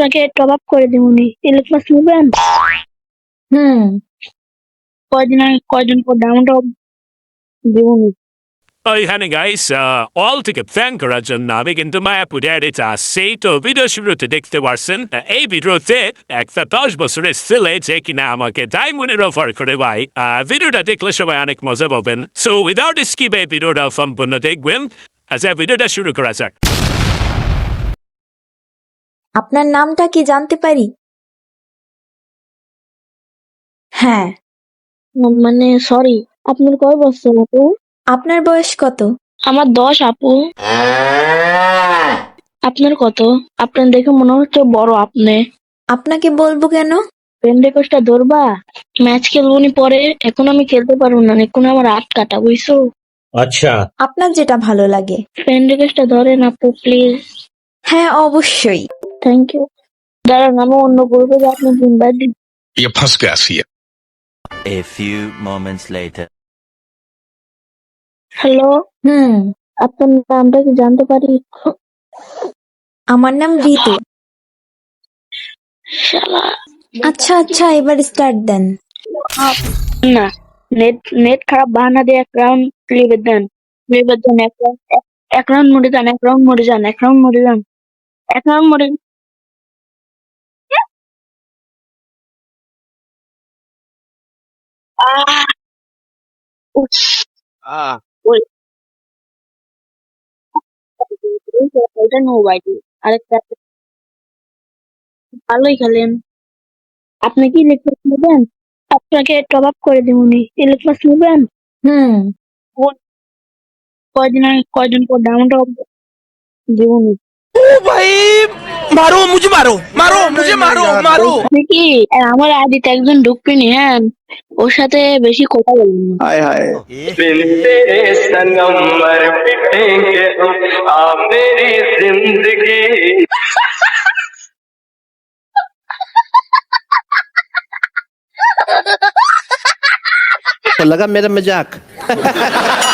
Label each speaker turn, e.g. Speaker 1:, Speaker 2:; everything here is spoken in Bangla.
Speaker 1: আপনাকে টপ আপ করে দিবনি। ইলিশ মাছ নেবেন?
Speaker 2: হুম।
Speaker 1: কয়দিন পর ডাউন টপ দিবনি।
Speaker 3: Honey guys, all থেকে থ্যাংক করার জন্য আমি কিন্তু মায়াপুরে এডিট আসছি তো ভিডিও শুরুতে দেখতে পারছেন এই ভিডিওতে একটা 10 বছরের ছেলে যে কিনা আমাকে ডায়মন্ডের অফার করে ভাই ভিডিওটা দেখলে সবাই অনেক মজা পাবেন সো উইদাউট স্কিপ এই ভিডিওটা সম্পূর্ণ দেখবেন ভিডিওটা শুরু করা যাক।
Speaker 2: আপনার নামটা কি জানতে পারি? হ্যাঁ।
Speaker 1: মানে সরি, আপনার কয় বছর আপু?
Speaker 2: আপনার বয়স কত?
Speaker 1: আমার 10 আপু। আপনার কত? আপনার দেখে মনে হচ্ছে বড় আপনি।
Speaker 2: আপনাকে বলবো কেন?
Speaker 1: ফ্রেন্ড রিকোয়েস্টটা ধরবা? ম্যাচ খেলবনি পরে, এখন আমি খেলতে পারবো না, এখন আমার রাত কাটা, বুঝছো?
Speaker 4: अच्छा
Speaker 2: আপনার যেটা ভালো লাগে।
Speaker 1: ফ্রেন্ড রিকোয়েস্টটা ধরেন আপু প্লিজ।
Speaker 2: হ্যাঁ, অবশ্যই।
Speaker 1: Thank you. দাঁড়ান, আমি অন্য বলবো যে আপনি ইনভাইট দিন।
Speaker 5: ये फंस गया सी है।
Speaker 6: A few moments later.
Speaker 1: Hello,
Speaker 2: হুম।
Speaker 1: আপনার নামটা কি জানতে পারি?
Speaker 2: আমার নাম ঋতু।
Speaker 1: শালা,
Speaker 2: আচ্ছা আচ্ছা, এবার স্টার্ট দেন।
Speaker 1: না, নেট খারাপ বাহানা দিয়ে এক রাউন্ড লিভে দেন। এক রাউন্ড মরে যান, এক রাউন্ড মরে যান, এক রাউন্ড মরে যান, এক রাউন্ড মরে। আহ, উফ, ওই, এটা নো বাইটি। আরেকটা ভালোই খেলেন। আপনি কি ইলেক্ট্রিক মাছ নেবেন? আপনাকে টপ আপ করে দিবনি। ইলেক্ট্রিক মাছ নেবেন?
Speaker 2: হুম।
Speaker 1: কয়দিন পর ডাউন টপ দিবনি।
Speaker 7: मारो मुझे मारो मारो मुझे मारो मारो
Speaker 1: আপনি কি আমার আদিতে একজন ঢুকবেনি, হ্যাঁ, ওর সাথে বেশি কথা বলবেন না।
Speaker 7: हाय हाय
Speaker 8: बिन तेरे सनम मर पिटेंगे हम आ मेरी जिंदगी
Speaker 4: तो लगा मेरा मजाक